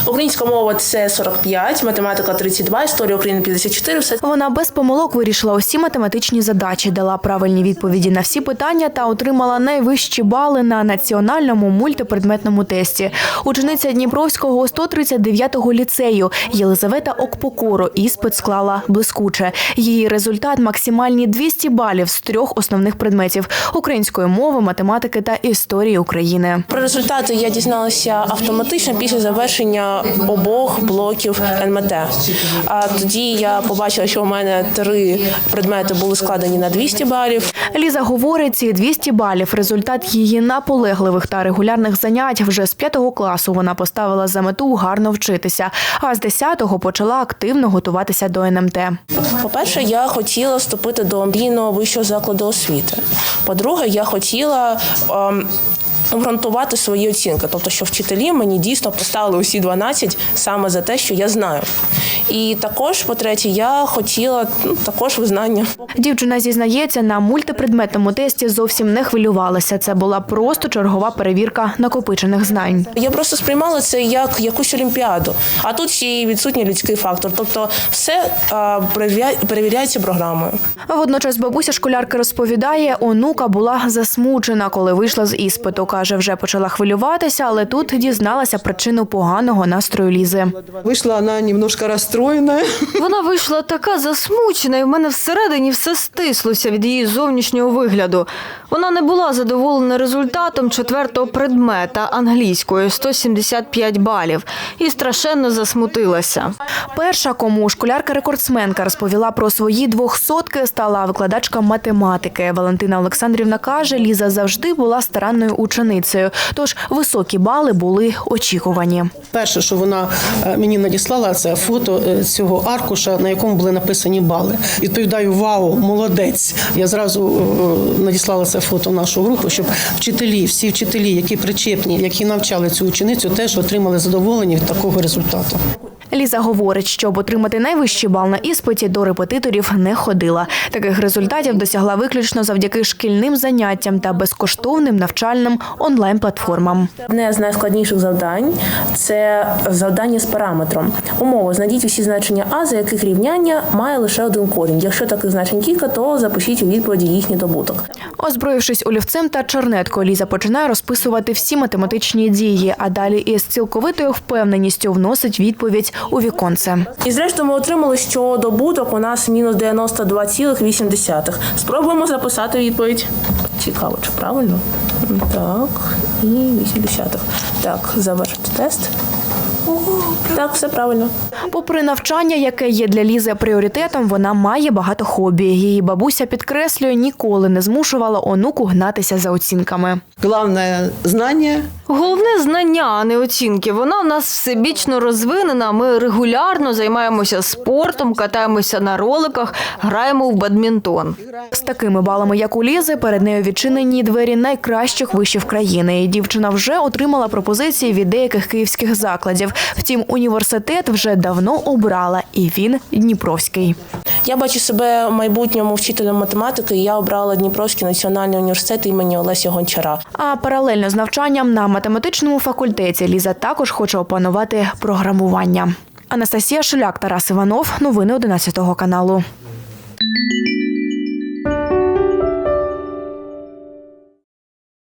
Українська мова – це 45, математика – 32, історія України – 54. Вона без помилок вирішила усі математичні задачі, дала правильні відповіді на всі питання та отримала найвищі бали на національному мультипредметному тесті. Учениця Дніпровського 139-го ліцею Єлизавета Окпокоро іспит склала блискуче. Її результат – максимальні 200 балів з 3 основних предметів – української мови, математики та історії України. Про результати я дізналася автоматично після завершення обох блоків НМТ. А тоді я побачила, що у мене 3 предмети були складені на 200 балів. Ліза говорить, ці 200 балів – результат її наполегливих та регулярних занять. Вже з 5 класу вона поставила за мету гарно вчитися, а з 10-го почала активно готуватися до НМТ. По-перше, я хотіла вступити до мрійного вищого закладу освіти. По-друге, я хотіла обґрунтувати свої оцінки. Тобто, що вчителі мені дійсно поставили усі 12 саме за те, що я знаю. І також, по-третє, я хотіла також визнання. Дівчина зізнається, на мультипредметному тесті зовсім не хвилювалася. Це була просто чергова перевірка накопичених знань. Я просто сприймала це як якусь олімпіаду. А тут ще й відсутній людський фактор. Тобто все перевіряється програмою. Водночас бабуся школярки розповідає, онука була засмучена, коли вийшла з іспиту. Каже, вже почала хвилюватися, але тут дізналася причину поганого настрою Лізи. Вийшла вона немножко розстроєна. Вона вийшла така засмучена, і в мене всередині все стислося від її зовнішнього вигляду. Вона не була задоволена результатом 4-го предмета англійської – 175 балів. І страшенно засмутилася. Перша, кому школярка-рекордсменка розповіла про свої 200-ки, стала викладачка математики. Валентина Олександрівна каже, Ліза завжди була старанною ученицею, тож високі бали були очікувані. Перше, що вона мені надіслала, це фото цього аркуша, на якому були написані бали. Відповідаю, вау, молодець. Я зразу надіслала це фото в нашу групу, щоб вчителі, всі вчителі, які причепні, які навчали цю ученицю, теж отримали задоволення від такого результату. Ліза говорить, щоб отримати найвищий бал на іспиті, до репетиторів не ходила. Таких результатів досягла виключно завдяки шкільним заняттям та безкоштовним навчальним онлайн-платформам. Одне з найскладніших завдань – це завдання з параметром. Умова – знайдіть усі значення А, за яких рівняння має лише один корінь. Якщо таких значень кілька, то запишіть у відповіді їхній добуток. Озброївшись олівцем та чернеткою, Ліза починає розписувати всі математичні дії, а далі із цілковитою впевненістю вносить відповідь у віконце. І зрештою ми отримали, що добуток у нас мінус 92,8. Спробуємо записати відповідь. Цікаво, чи правильно? Так, і 8. Так, завершити тест. Так, все правильно. Попри навчання, яке є для Лізи пріоритетом, вона має багато хобі. Її бабуся підкреслює, ніколи не змушувала онуку гнатися за оцінками. Головне – знання. Головне – знання, а не оцінки. Вона в нас всебічно розвинена, ми регулярно займаємося спортом, катаємося на роликах, граємо в бадмінтон. З такими балами, як у Лізи, перед нею відчинені двері найкращих вишів країни. І дівчина вже отримала пропозиції від деяких київських закладів. Втім, університет вже давно обрала, і він Дніпровський. Я бачу себе в майбутньому вчителем математики, і я обрала Дніпровський національний університет імені Олеся Гончара. А паралельно з навчанням на математичному факультеті Ліза також хоче опанувати програмування. Анастасія Шуляк, Тарас Іванов. Новини 11 каналу.